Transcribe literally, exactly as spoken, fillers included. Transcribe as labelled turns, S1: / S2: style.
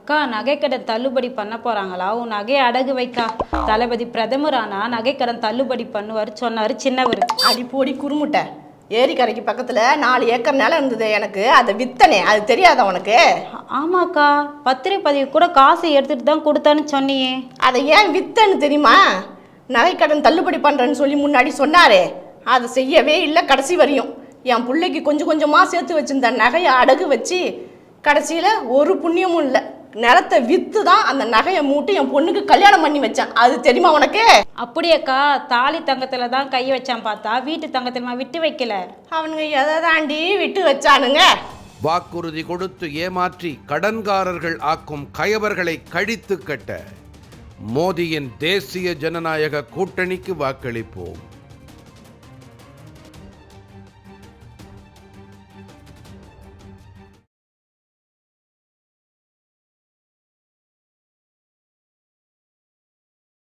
S1: அக்கா நகைக்கடன் தள்ளுபடி பண்ண போறாங்களா? உன் நகையை அடகு வைக்கா. தளபதி பிரதமர் ஆனா நகைக்கடன் தள்ளுபடி பண்ணுவார் சொன்னாரு சின்னவர்.
S2: அடி போடி குறுமுட்டை. ஏரிக்கரைக்கு பக்கத்துல நாலு ஏக்கர் நிலம் இருந்தது எனக்கு, அதை வித்தனே, அது தெரியாதா உனக்கு?
S1: ஆமாக்கா, பத்திரிகை பதிவு கூட காசு எடுத்துட்டு தான் கொடுத்தான்னு சொன்னியே.
S2: அதை ஏன் வித்தன்னு தெரியுமா? நகைக்கடன் தள்ளுபடி பண்றேன்னு சொல்லி முன்னாடி சொன்னாரே, அதை செய்யவே இல்லை கடைசி வரையும். என் பிள்ளைக்கு கொஞ்சம் கொஞ்சமா சேர்த்து வச்சிருந்த நகையை அடகு வச்சு கடைசியில ஒரு புண்ணியமும் இல்லை. நிலத்தை வித்து தான் அந்த நகையை மூட்டி என் பொண்ணுக்கு கல்யாணம் பண்ணி வச்சான். அது தெரியுமா உனக்கு?
S1: அப்படியேக்கா, தாலி தங்கத்துல தான் கை வச்சான், பார்த்தா வீட்டு தங்கத்துல விட்டு வைக்கல.
S2: அவனுங்க எதை தாண்டி விட்டு வச்சானுங்க?
S3: வாக்குறுதி கொடுத்து ஏமாற்றி கடன்காரர்கள் ஆக்கும் கயவர்களை கழித்து கட்ட மோடியின் தேசிய ஜனநாயக கூட்டணிக்கு வாக்களிப்போம்.